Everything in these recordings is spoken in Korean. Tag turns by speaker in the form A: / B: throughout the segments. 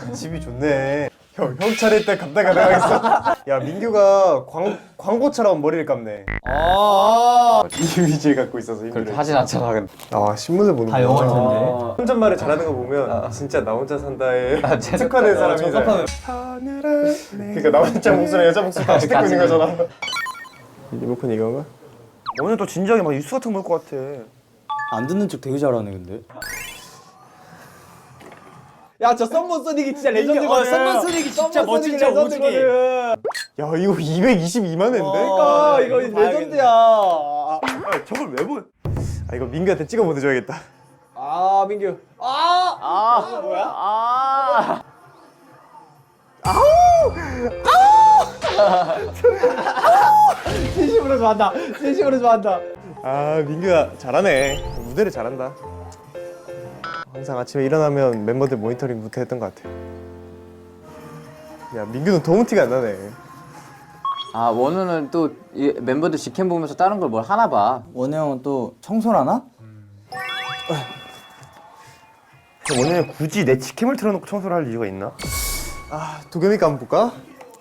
A: 집이 좋네. 형 차례 때 감당 가능하겠어? 야 민규가 광고처럼 머리를 감네. 이미지를 갖고 있어서 힘들어.
B: 그렇게 하진 않잖아. 근데.
A: 아 신문을 보는
C: 다 영어일 텐데.
A: 혼잣말을 잘하는 거 보면 진짜 나 혼자 산다에 특화된 사람이잖아. 그러니까 나 혼자 목소리 여자 목소리 같이 듣고 있는 거잖아. 리모컨 이건가?
D: 오늘 또 진지하게 막 뉴스 같은 거 볼 것 같아.
C: 안 듣는 척 되게 잘하네 근데. 야 저 썸머 소닉이 진짜 레전드거든. 썸머 소닉이 진짜 멋진 척 오지기.
A: 야 이거 222만 원인데?
C: 그러니까 이거 레전드야.
D: 아, 저걸 왜 보?
A: 아 이거 민규한테 찍어 보내줘야겠다.
C: 아 민규. 뭐야? 진심으로 좋아한다. 진심으로 좋아한다.
A: 아 민규야 잘하네. 무대를 잘한다. 항상 아침에 일어나면 멤버들 모니터링부터 했던 것 같아. 야 민규는 도무 티가 안 나네.
B: 아 원우는 또 이 멤버들 직캠 보면서 다른 걸 뭘 하나 봐.
C: 원우 형은 또 청소를 하나?
D: 오늘 굳이 내 직캠을 틀어놓고 청소를 할 이유가 있나?
A: 아 도겸이가 한번 볼까?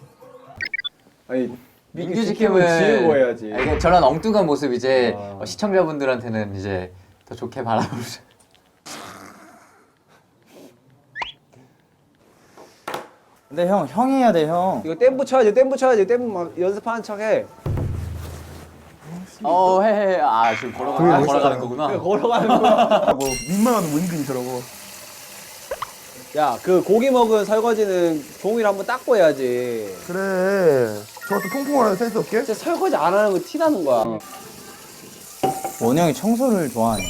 C: 아니
B: 민규 직캠은
C: 지우고 해야지.
B: 아니, 저런 엉뚱한 모습 이제 시청자분들한테는 이제 더 좋게 바라보죠.
C: 근데 형이 해야 돼 형.
E: 이거 댐 붙여야지, 댐 붙여야지. 댐 막 연습하는 척해.
B: 해. 아 지금 걸어가는 거구나.
E: 걸어가는 거야.
D: 뭐 민망한 은근히 저러고.
E: 야, 그 고기 먹은 설거지는 종이로 한번 닦고 해야지.
D: 그래. 저것도 퐁퐁하는 센스 없게?
E: 진짜 설거지 안 하는 거 티 나는 거야.
C: 원우 형이 청소를 좋아하네.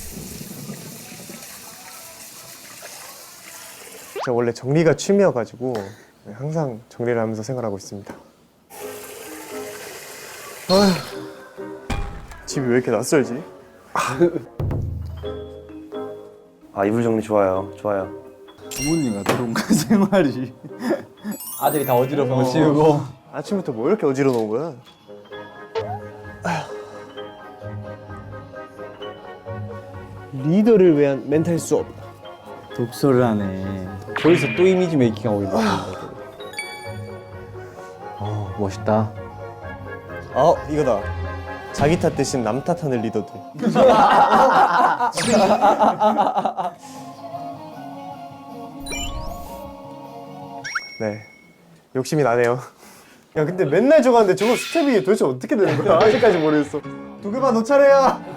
A: 제가 원래 정리가 취미여가지고 항상 정리를 하면서 생활하고 있습니다. 아휴, 집이 왜 이렇게 낯설지?
D: 아 이불 정리 좋아요. 좋아요.
C: 부모님 같은 생활이. 아들이 다 어지러운 거 치우고.
A: 아침부터 뭐 이렇게 어지러 놓은 거야? 리더를 위한 멘탈 수업.
C: 독서를 하네. 거기서 또 이미지 메이킹 하고 있는
B: 멋있다.
A: 이거다. 자기 탓 대신 남 탓하는 리더들. 네, 욕심이 나네요. 야 근데 맨날 저거 하는데 저거 스텝이 도대체 어떻게 되는 거야? 아직까지 모르겠어. 도겸아 너 차례야.